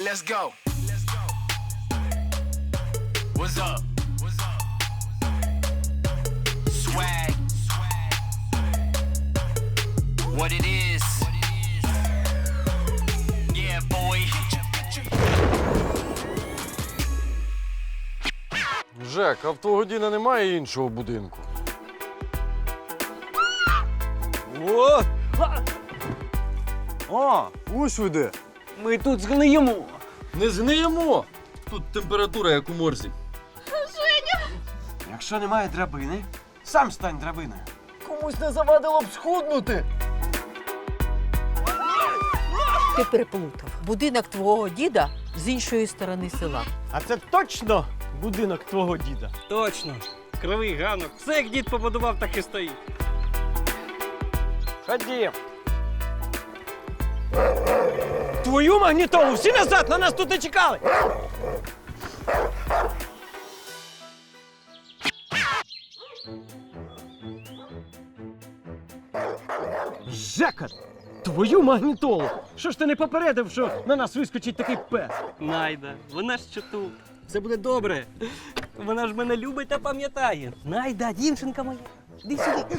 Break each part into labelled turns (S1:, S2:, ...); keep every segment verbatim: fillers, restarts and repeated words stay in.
S1: Let's go. What's up? What's up? Swag. What it is. Yeah, boy.
S2: Жек, а в твого Діна немає іншого будинку?
S3: О! О!
S2: Ось ви де.
S3: Ми тут згниємо.
S2: Не згниємо! Тут температура, як у морзі.
S3: Якщо немає драбини, сам стань драбиною.
S2: Комусь не завадило б схуднути.
S4: Ти переплутав. Будинок твого діда з іншої сторони села.
S5: А це точно будинок твого діда?
S6: Точно. Кривий ганок. Все, як дід побудував, так і стоїть.
S5: Ходім. Твою магнітолу! Всі назад! На нас тут не чекали! Жека! Твою магнітолу! Що ж ти не попередив, що на нас вискочить такий пес?
S6: Найда, вона ж що тут. Все буде добре. Вона ж мене любить та пам'ятає. Найда, дівчинка моя. Іди сюди.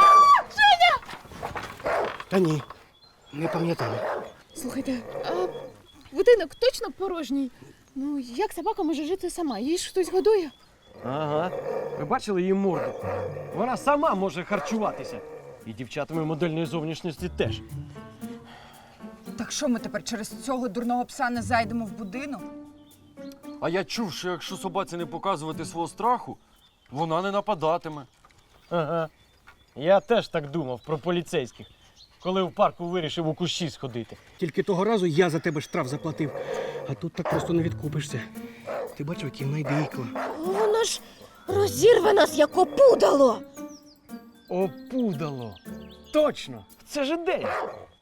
S5: Та ні, не пам'ятаю.
S7: Слухайте, а будинок точно порожній? Ну, як собака може жити сама? Її ж хтось годує?
S5: Ага. Ви бачили її морду? Вона сама може харчуватися. І дівчатами модельної зовнішності теж.
S8: Так що ми тепер через цього дурного пса не зайдемо в будинок?
S2: А я чув, що якщо собаці не показувати свого страху, вона не нападатиме.
S5: Ага. Я теж так думав про поліцейських, коли в парку вирішив у кущі сходити.
S9: Тільки того разу я за тебе штраф заплатив, а тут так просто не відкупишся. Ти бачив, які найдикла.
S4: Воно ж розірве нас, як опудало.
S5: Опудало. Точно! Це ж ідея.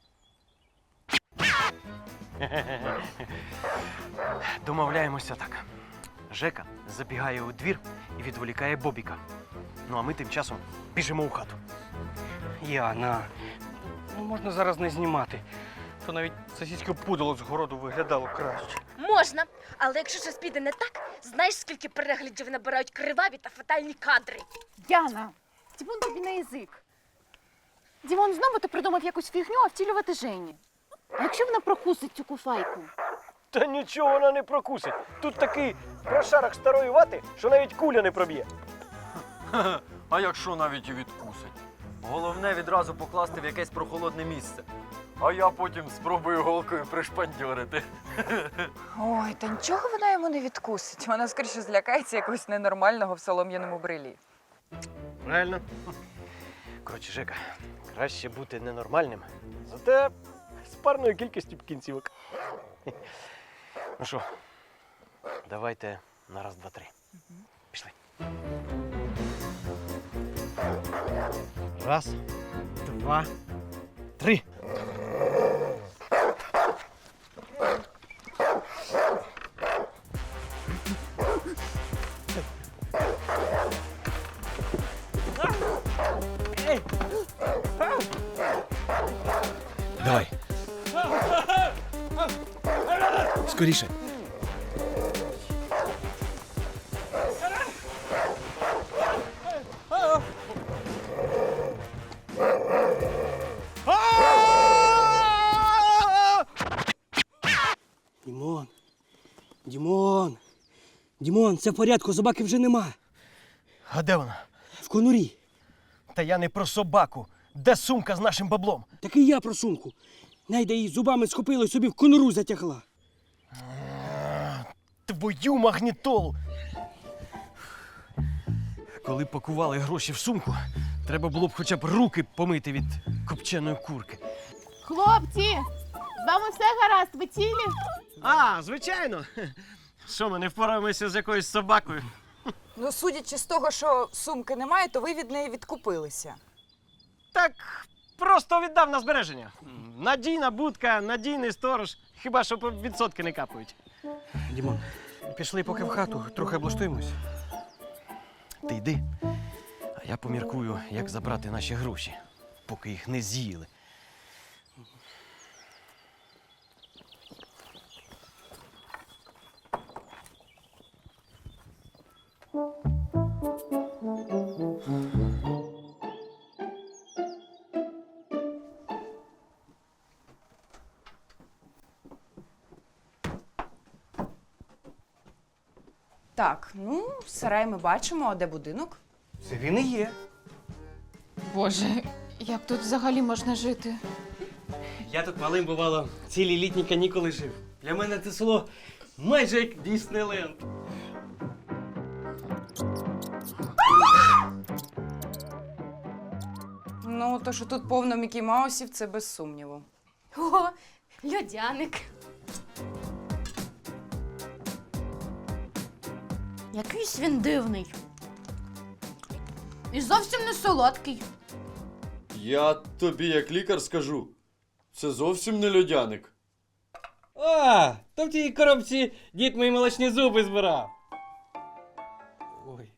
S3: Домовляємося так. Жека забігає у двір і відволікає Бобіка. Ну а ми тим часом біжимо у хату.
S6: Яна, ну можна зараз не знімати. То навіть сусідське пудало з городу виглядало краще.
S10: Можна, але якщо щось піде не так, знаєш, скільки переглядів набирають криваві та фатальні кадри?
S7: Діана, Дімон тобі на язик. Дімон, знову ти придумав якусь фігню, а втілювати Жені. А якщо вона прокусить цю куфайку?
S5: Та нічого вона не прокусить. Тут такий прошарок старої вати, що навіть куля не проб'є.
S2: А якщо навіть і відкусить? Головне відразу покласти в якесь прохолодне місце. А я потім спробую голкою пришпандьорити.
S8: Ой, та нічого вона йому не відкусить. Вона скоріше злякається якогось ненормального в солом'яному брилі.
S5: Правильно.
S3: Коротше, Жека, краще бути ненормальним.
S5: Зате з парною кількістю кінцівок.
S3: Ну що, давайте на раз, два, три. Пішли.
S5: Раз, два, три.
S9: Давай. Скоріше. Дімон. Дімон. Дімон, все в порядку, собаки вже нема.
S5: А де вона?
S9: В конурі.
S5: Та я не про собаку. Де сумка з нашим баблом?
S9: Так і я про сумку. Найда її зубами схопила і собі в конуру затягла.
S5: Твою магнітолу! Коли пакували гроші в сумку, треба було б хоча б руки помити від копченої курки.
S7: Хлопці, з вами все гаразд, ви цілі?
S5: А, звичайно. Що, ми не впораємося з якоюсь собакою?
S8: Ну, судячи з того, що сумки немає, то ви від неї відкупилися.
S5: Так, просто віддав на збереження. Надійна будка, надійний сторож. Хіба що відсотки не капають.
S9: Дімон, пішли поки в хату, трохи облаштуємось.
S3: Ти йди, а я поміркую, як забрати наші гроші, поки їх не з'їли.
S8: Так, ну, сарай ми бачимо, а де будинок?
S3: Це він і є.
S7: Боже, як тут взагалі можна жити?
S6: Я тут малим бувало цілі літні канікули жив. Для мене це село майже як Діснейленд.
S8: Ну, то, що тут повно Мікі Маусів, це без сумніву.
S10: О, льодяник.
S7: Якийсь він дивний. І зовсім не солодкий.
S2: Я тобі, як лікар, скажу, це зовсім не льодяник.
S6: А, то в тій коробці дід мої молочні зуби збирав. Ой.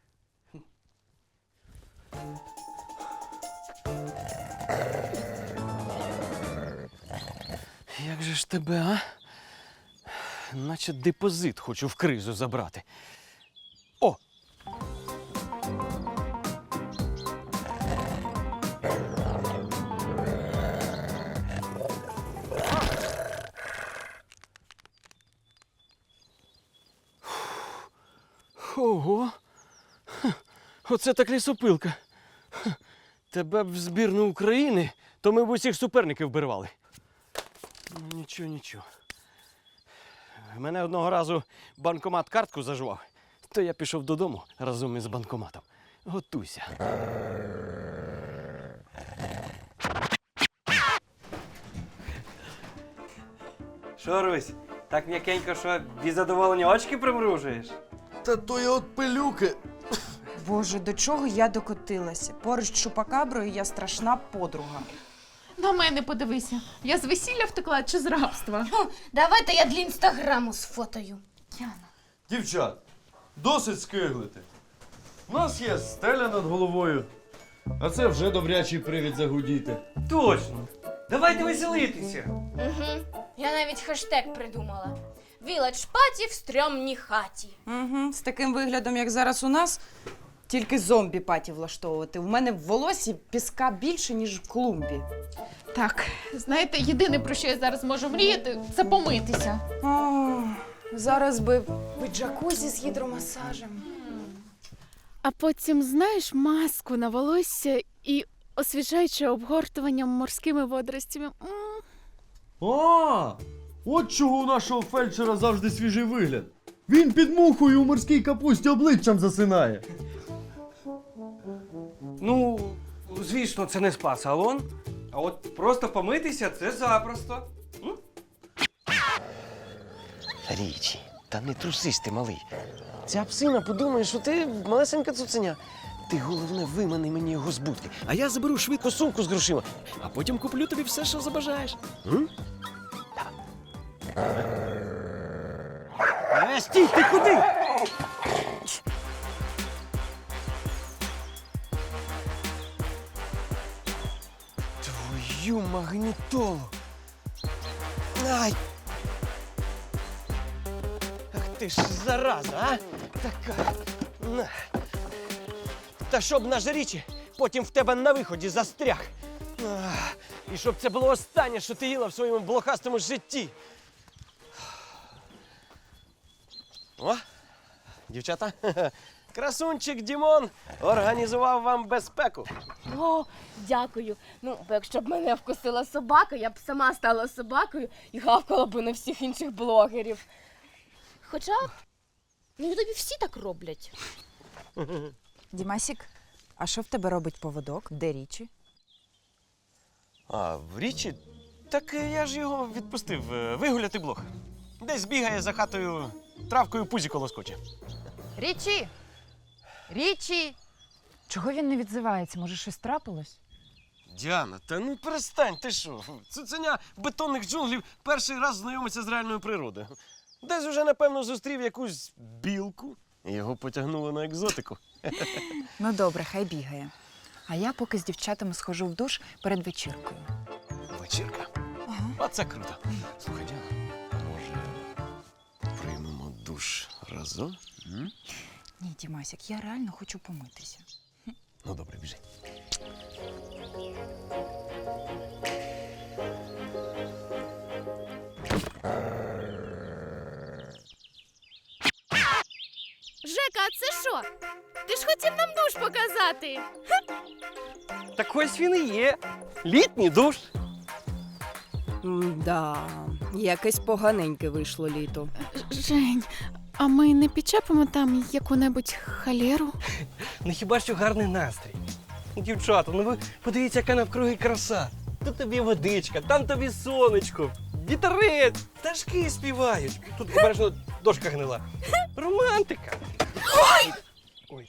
S3: Як же ж тебе, а? Наче депозит хочу в кризу забрати. О! Ого! Хе, оце так лісопилка. Хе, тебе б в збірну України, то ми б усіх суперників вбирвали. Ну, нічого, нічого. Мене одного разу банкомат картку зажував, то я пішов додому разом із банкоматом. Готуйся.
S6: Що, Русь, так м'якенько, що від задоволення очки примружуєш?
S2: Та то я от пилюки.
S8: Боже, до чого я докотилася? Поруч з Чупакаброю я страшна подруга.
S7: На мене подивися. Я з весілля втекла чи з рабства?
S10: Давайте я для інстаграму сфотою.
S2: Дівчат, досить скиглити. У нас є стеля над головою, а це вже добрячий привід загудіти.
S6: Точно. Давайте веселитися.
S10: Угу. Я навіть хештег придумала. Village Party в стрьомній хаті.
S8: Угу, з таким виглядом, як зараз у нас, тільки зомбі-паті влаштовувати. У мене в волосі піска більше, ніж в клумбі.
S7: Так, знаєте, єдине, про що я зараз можу мріяти, це помитися.
S8: О, зараз би в джакузі з гідромасажем.
S11: А потім, знаєш, маску на волосся і освіжаюче обгортуванням морськими водоростями. М.
S2: А, от чого у нашого фельдшера завжди свіжий вигляд. Він під мухою у морській капусті обличчям засинає.
S3: Ну, звісно, це не спа-салон.
S6: А от просто помитися це запросто. М?
S3: Річі, та не трусись ти, малий. Ця псина подумає, що ти малесенька цуценя. Ти, головне, вимани мені його з будки, а я заберу швидко сумку з грошима, а потім куплю тобі все, що забажаєш. М? Е, стій, ти куди? Твою магнітолу. Ай! Ах ти ж зараза, а? Така. На. Та щоб наш річі потім в тебе на виході застряг. Ах, і щоб це було останнє, що ти їла в своєму блохастому житті. О, дівчата, красунчик Дімон організував вам безпеку.
S10: О, дякую. Ну, бо якщо б мене вкусила собака, я б сама стала собакою і гавкала б на всіх інших блогерів. Хоча, ну, тобі всі так роблять.
S8: Дімасік, а що в тебе робить поводок? Де річі?
S3: А, в річі? Так е, я ж його відпустив е, вигуляти блох. Десь бігає за хатою, травкою пузіко лоскоче.
S8: Річі! Річі! Чого він не відзивається? Може, щось трапилось?
S3: Діана, та ну перестань, ти що? Цуценя бетонних джунглів перший раз знайомиться з реальною природою. Десь уже, напевно, зустрів якусь білку і його потягнуло на екзотику.
S8: Ну добре, хай бігає. А я поки з дівчатами схожу в душ перед вечіркою.
S3: Вечірка?
S8: Ага.
S3: Оце круто. Слухай, Діана, а може приймемо душ разом? М?
S8: Ні, Дімасік, я реально хочу помитися.
S3: Ну, добре, біжи.
S11: що? Ти ж хотів нам душ показати.
S6: Так ось він і є. Літній душ.
S8: Да, якесь поганеньке вийшло літо.
S11: Жень, а ми не підчепимо там яку-небудь халеру?
S6: Ну хіба що гарний настрій. Дівчата, ну ви подивіться, яка навкруги краса. Тут тобі водичка, там тобі сонечко, вітерець, пташки співають. Тут обережно дошка гнила. Романтика. Ой! Ой.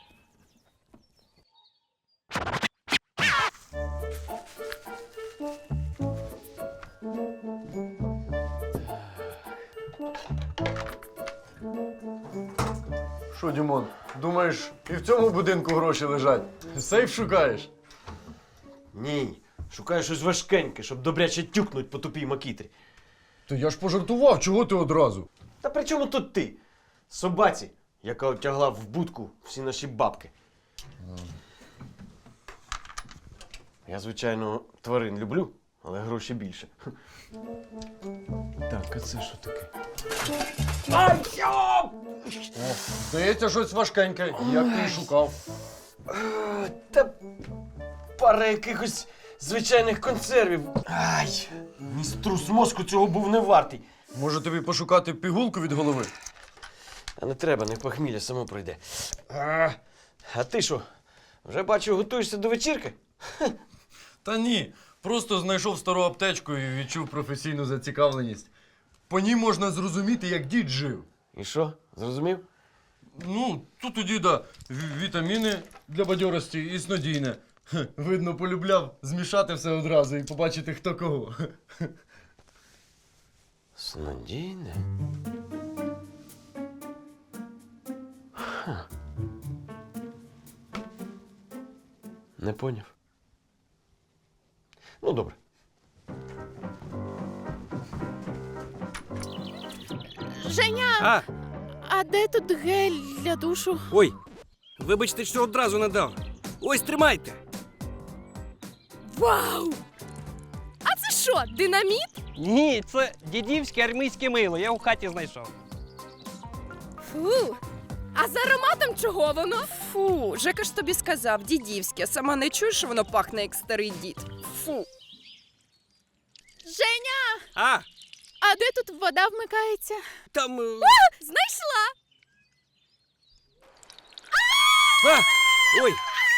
S2: Що, Дімон, думаєш, і в цьому будинку гроші лежать? Сейф шукаєш?
S3: Ні, шукаю щось важкеньке, щоб добряче тюкнуть по тупій макітрі.
S2: То я ж пожартував, чого ти одразу?
S3: Та при чому тут ти? Собаці, яка отягла в будку всі наші бабки. Я, звичайно, тварин люблю, але гроші більше. Так, а це що таке? Ай, йоп!
S2: О, здається, щось важкеньке, як ти і шукав.
S3: А, Та пара якихось звичайних консервів. Ай, мій струс мозку цього був не вартий.
S2: Може тобі пошукати пігулку від голови?
S3: А не треба, не похмілля, само пройде. А, а ти що, вже бачу, готуєшся до вечірки?
S2: Та ні, просто знайшов стару аптечку і відчув професійну зацікавленість. По ній можна зрозуміти, як дід жив.
S3: І що, зрозумів?
S2: Ну, тут у діда ві- вітаміни для бадьорості і снодійне. Хе, видно, полюбляв змішати все одразу і побачити, хто кого.
S3: Снодійне? Ха. Не поняв. Ну, добре.
S11: Женя,
S6: А,
S11: а де тут гель для душу?
S6: ой, вибачте, що одразу надав. Ось, тримайте.
S10: Вау! А це що, динаміт?
S6: Ні, це дідівське армійське мило, я у хаті знайшов.
S10: Фу. А за ароматом чого воно?
S8: Фу, Жека ж тобі сказав, дідівське. Сама не чуєш, що воно пахне, як старий дід. Фу.
S11: Женя,
S6: А,
S11: а де тут вода вмикається?
S6: там... е,
S10: Знайшла!
S6: А, ой,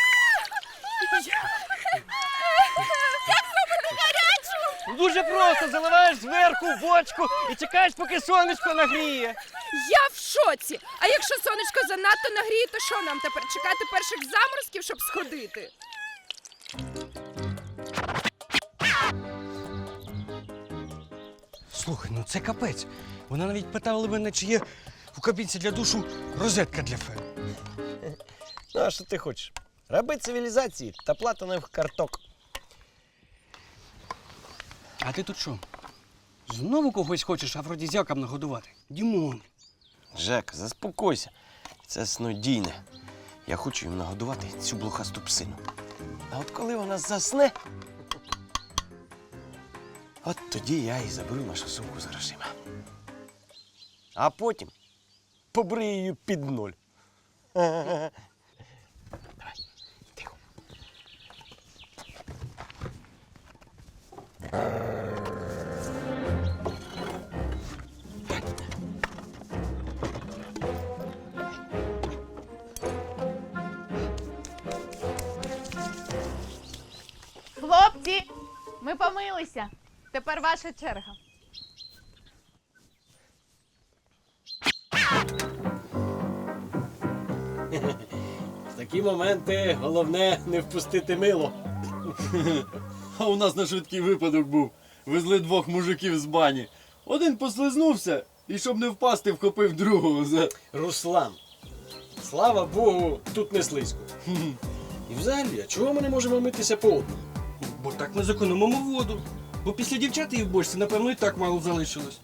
S6: дуже просто заливаєш зверху в бочку і чекаєш, поки сонечко нагріє.
S8: Я в шоці. А якщо сонечко занадто нагріє, то що нам тепер чекати перших заморозків, щоб сходити?
S9: Слухай, ну це капець. Вона навіть питала мене, чи є у кабінці для душу розетка для фен.
S5: Ну, а що ти хочеш? Раби цивілізації та платинових карток.
S9: А ти тут що? Знову когось хочеш афродізіакам нагодувати? Дімон.
S3: Жек, заспокойся. Це снодійне. Я хочу їм нагодувати цю блохасту псину. А от коли вона засне, от тоді я і заберу нашу сумку з грошима. А потім побрию її під ноль. Давай, тихо.
S7: Хлопці, ми помилися. Тепер ваша черга.
S3: В такі моменти головне не впустити мило.
S2: А у нас на швидкий випадок був. Везли двох мужиків з бані. Один послизнувся і, щоб не впасти, вхопив другого за...
S3: Руслан, слава Богу, тут не слизько. І взагалі, а чого ми не можемо митися по одному?
S9: Бо так ми зекономимо воду. Бо після дівчат її в бочці, напевно, і так мало залишилось.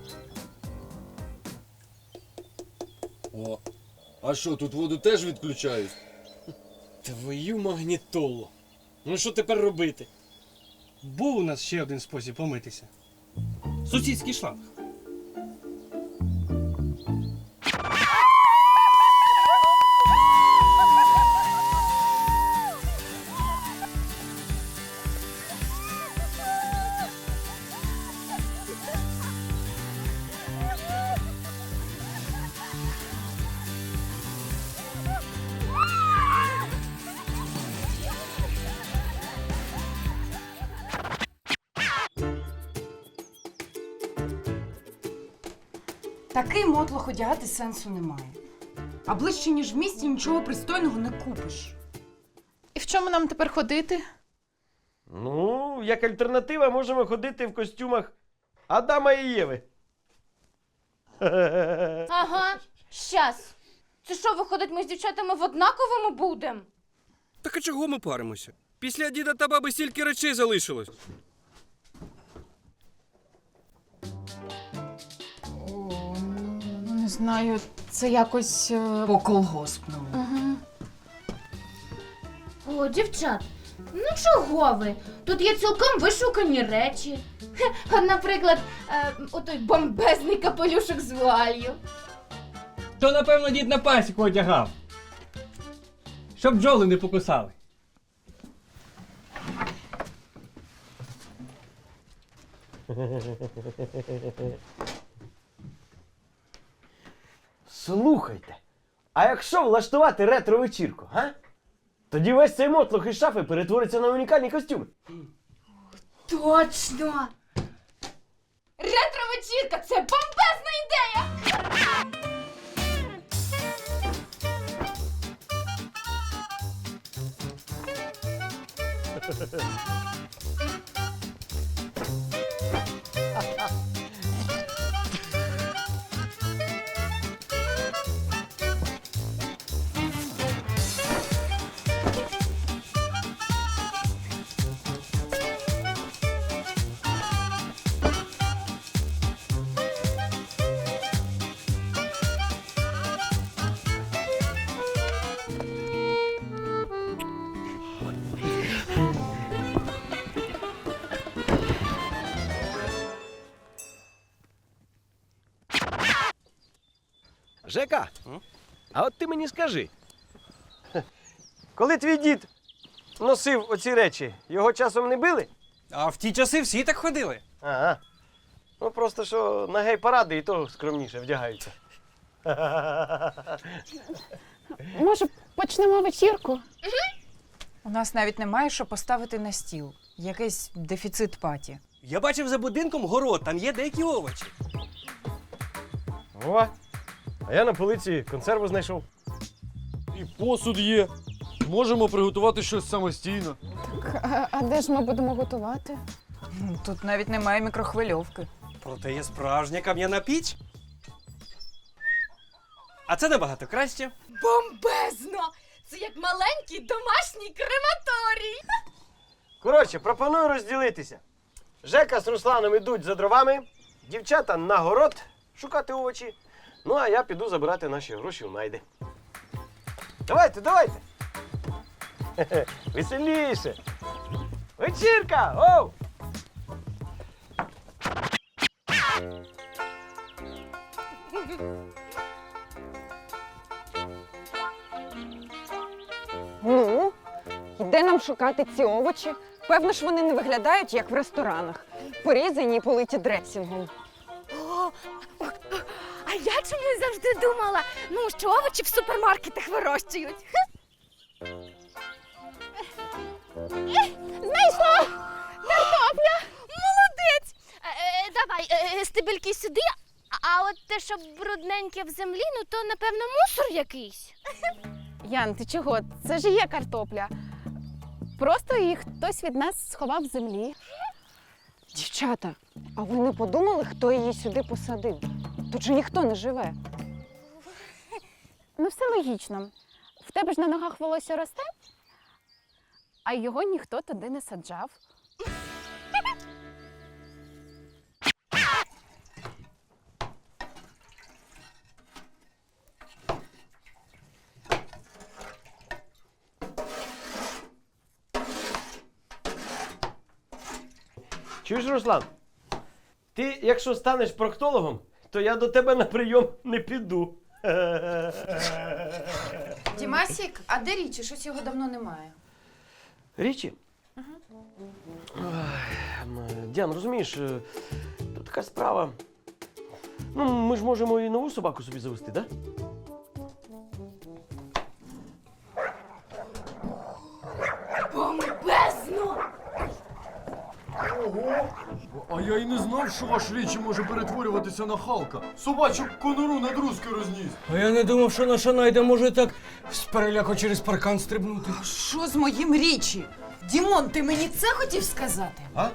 S2: О, а що, тут воду теж відключають?
S3: Твою магнітолу. Ну що тепер робити?
S9: Був у нас ще один спосіб помитися. Сусідський шланг.
S8: Такий мотлох одягати сенсу немає. А ближче, ніж в місті, нічого пристойного не купиш.
S11: І в чому нам тепер ходити?
S5: Ну, як альтернатива, можемо ходити в костюмах Адама і Єви.
S10: Ага, щас. Це що, виходить, ми з дівчатами в однаковому будемо?
S6: Так а чого ми паримося? Після діда та баби стільки речей залишилось.
S11: О, не знаю, це якось. е,
S8: По колгоспному.
S11: Ага.
S10: О, дівчат, ну чого ви? Тут є цілком вишукані речі. Хе, от, наприклад, е, отой бомбезний капелюшок з вуалью.
S9: То, напевно, дід на пасіку одягав. Щоб бджоли не покусали.
S5: Слухайте, а якщо влаштувати ретро-вечірку, га? Тоді весь цей мотлох із шафи перетвориться на унікальні костюми.
S10: Точно! Ретро-вечірка – це бомбезна ідея!
S5: Жека, а от ти мені скажи, коли твій дід носив оці речі, його часом не били?
S6: А в ті часи всі так ходили.
S5: Ага. Ну просто що на гей-паради і то скромніше вдягаються.
S11: Може, почнемо вечірку?
S8: У нас навіть немає що поставити на стіл. Якийсь дефіцит паті.
S6: Я бачив за будинком город, там є деякі овочі.
S5: О, а я на полиці консерву знайшов.
S2: І посуд є. Можемо приготувати щось самостійно.
S11: А, а де ж ми будемо готувати?
S8: Тут навіть немає мікрохвильовки.
S6: Проте є справжня кам'яна піч. А це набагато краще.
S10: Бомбезно! Це як маленький домашній крематорій!
S5: Коротше, пропоную розділитися. Жека з Русланом ідуть за дровами, дівчата на город шукати овочі, ну а я піду забирати наші гроші у найди. Давайте, давайте! Хе-хе, веселіше! Вечірка! Оу!
S12: Ну, йде нам шукати ці овочі. Певно ж вони не виглядають, як в ресторанах. Порізані і политі дресінгом.
S10: О, а я чомусь завжди думала, ну, що овочі в супермаркетах вирощують. Знайшла! Картопля! Молодець! Е, давай, е, стебельки сюди, а от те, що брудненьке в землі, ну то, напевно, мусор якийсь.
S11: Ян, ти чого? Це ж є картопля. Просто її хтось від нас сховав в землі.
S12: Дівчата, а ви не подумали, хто її сюди посадив? Тут же ніхто не живе.
S11: Ну, все логічно. В тебе ж на ногах волосся росте, а його ніхто туди не саджав.
S5: Чуєш, Руслан? Ти, якщо станеш проктологом, то я до тебе на прийом не піду.
S8: Дімасік, а де річі? Щось його давно немає.
S5: Річі? Ой, Діан, розумієш, е, тут така справа. Ну, ми ж можемо і нову собаку собі завести, так?
S10: Бомбезно!
S2: Ого! А я й не знав, що ваш Річі може перетворюватися на Халка. Собачу конуру на друзки розніс.
S9: А я не думав, що наша найда може так з переляку через паркан стрибнути.
S8: Що з моїм річі? Дімон, ти мені це хотів сказати?
S5: А?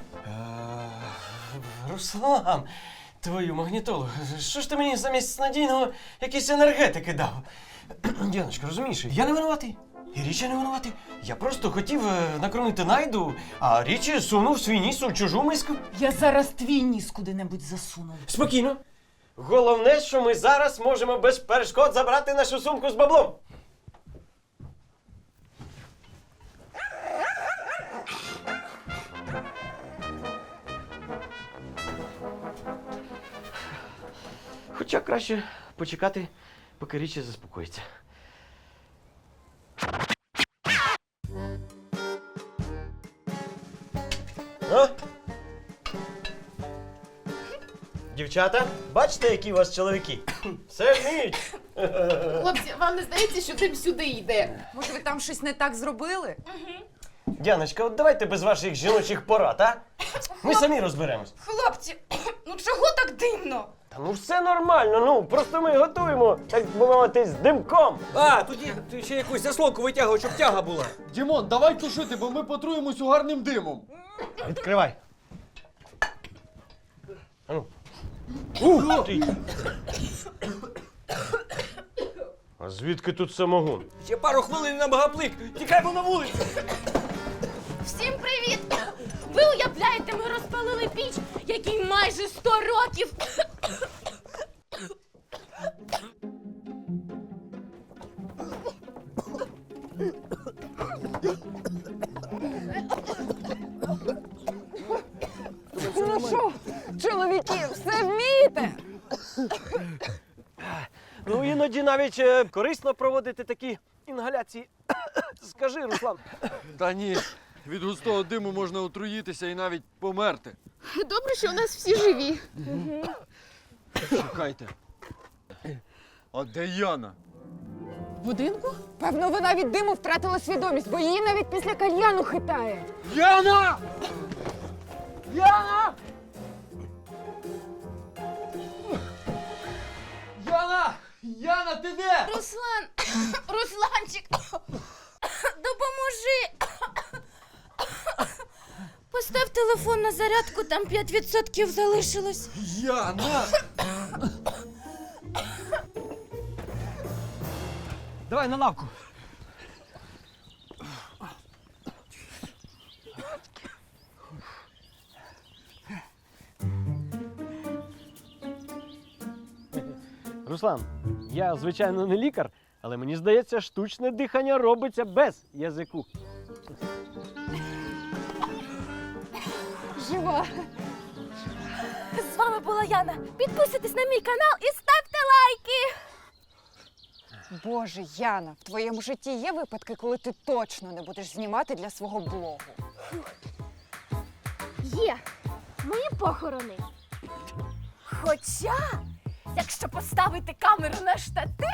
S5: Руслан, твою магнітолу, що ж ти мені замість надійного якісь енергетики дав? Дяночка, розумієш, я не винуватий. І Річі не винуватий. Я просто хотів е, накормити найду, а Річі сунув свій ніс у чужу миску.
S8: Я зараз твій ніс куди-небудь засуну.
S5: Спокійно. Головне, що ми зараз можемо без перешкод забрати нашу сумку з баблом. Хоча краще почекати, поки Річі заспокоїться. А? Дівчата, бачите, які у вас чоловіки? Все вміють.
S10: Хлопці, вам не здається, що дим сюди йде?
S8: Може, ви там щось не так зробили?
S5: Дяночка, от давайте без ваших жіночих порад, а? Ми самі розберемось.
S10: Хлопці, ну чого так димно?
S5: Та ну все нормально, ну просто ми готуємо, так би мовити, з димком.
S9: А, тоді ти ще якусь заслонку витягував, щоб тяга була.
S2: Дімон, давай тушити, бо ми потруємось угарним димом.
S5: Відкривай. А ну. Ух ти! А звідки тут самогон?
S9: Ще пару хвилин на багаплик. Тікаймо на вулицю.
S10: Всім привіт! Ви уявляєте, ми розпалили піч, якій майже сто років.
S12: Ну що, чоловіки, все вмієте?
S5: Ну, іноді навіть е, корисно проводити такі інгаляції. Скажи, Руслан.
S2: Та ні, від густого диму можна отруїтися і навіть померти.
S11: Добре, що у нас всі живі.
S2: Чекайте. А де Яна?
S11: В будинку?
S12: Певно, вона від диму втратила свідомість, бо її навіть після кальяну хитає.
S2: Яна! Яна! Яна! Яна, ти де?
S10: Руслан! Русланчик! Допоможи! Постав телефон на зарядку, там п'ять відсотків залишилось.
S2: Яна!
S9: Давай на лавку.
S5: Руслан, я, звичайно, не лікар, але мені здається, штучне дихання робиться без язику.
S12: Жива.
S10: З вами була Яна. Підписуйтесь на мій канал і ставте лайки.
S12: Боже, Яна, в твоєму житті є випадки, коли ти точно не будеш знімати для свого блогу?
S10: Є мої похорони. Хоча, якщо поставити камеру на штатив,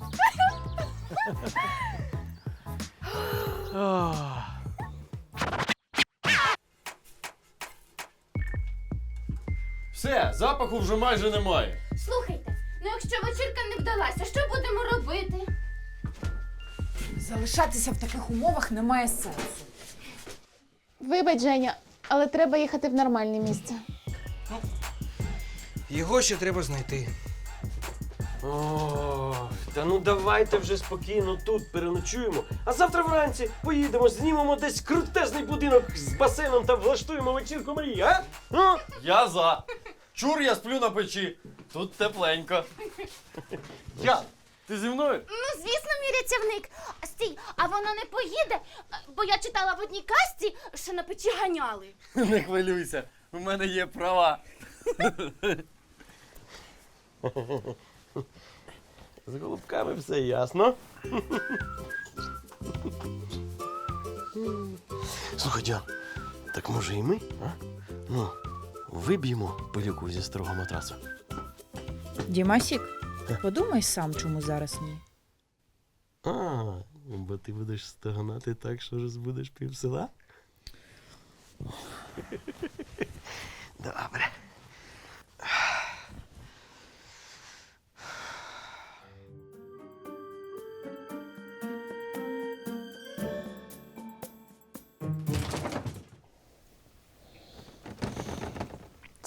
S2: Все, запаху вже майже немає.
S10: слухайте, ну якщо вечірка не вдалася, що будемо робити?
S8: Залишатися в таких умовах немає сенсу.
S11: Вибач, Женя, але треба їхати в нормальне місце.
S9: Його ще треба знайти.
S5: О, та ну давайте вже спокійно тут переночуємо, а завтра вранці поїдемо, знімемо десь крутезний будинок з басейном та влаштуємо вечірку мрії, а? Ну?
S2: Я за. Чур, я сплю на печі. Тут тепленько. Ян, ти зі мною?
S10: Ну, звісно, мій рятівник. Стій, а воно не поїде, бо я читала в одній казці, що на печі ганяли.
S2: Не хвилюйся, у мене є права.
S5: З голубками все ясно. Слухай, Діан, так може і ми, а? Ну, виб'ємо пилюку зі старого матрасу.
S13: Дімасік, подумай сам, чому зараз ні.
S5: А, бо ти будеш стогнати так, що розбудеш пів села? Добре.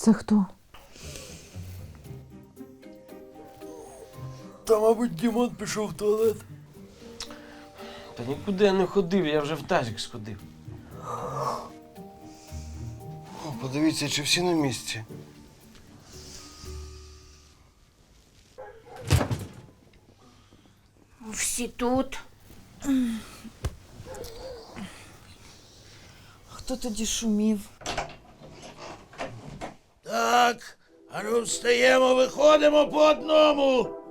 S12: Це хто?
S5: Та, мабуть, Дімон пішов в туалет. Та нікуди я не ходив, я вже в тазик сходив. О, подивіться, чи всі на місці.
S10: Всі тут.
S8: Хто тоді шумів?
S14: Так, а ну встаємо, виходимо по одному.